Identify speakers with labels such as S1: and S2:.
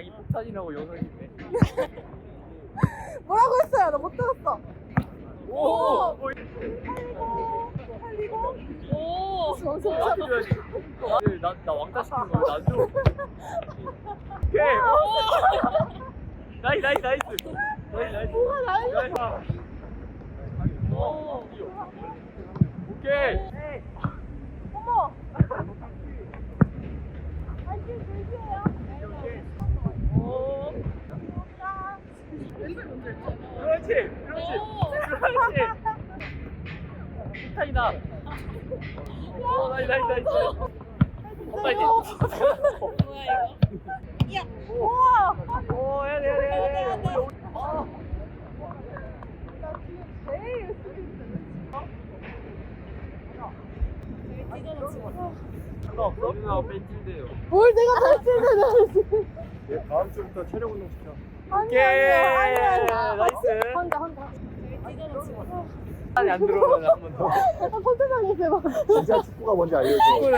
S1: 자기 폭탄이라고 영상인데.
S2: 뭐라고 했어요? 나 못 들었어.
S1: 오.
S2: 살리고.
S3: 오.
S1: 나한테 줘야지. 나 왕따 시키는 거야. 나 줘. 오케이. 나이스. 나이스.
S2: 뭐가 나이스.
S1: 오케이.
S2: 어머. 아직 불교예요.
S1: 오. 그렇지. 폭탄이다. 오, 나이스. 빨리.
S3: 뭐야 이거? 야.
S2: 우와.
S1: 오, 해야 돼. 아.
S2: 나 지금 제일 열심히 있어.
S1: 상관없어? 누나 뺀질대요.
S2: 뭘 내가 발진을
S4: 네, 다음 주부터 체력 운동 시켜.
S2: 아니야.
S1: 나이스.
S2: 혼자.
S1: 안에 안 들어오면 한 번 더.
S2: 아, 포트장에서 해봐.
S4: 진짜 축구가 뭔지 알려줘.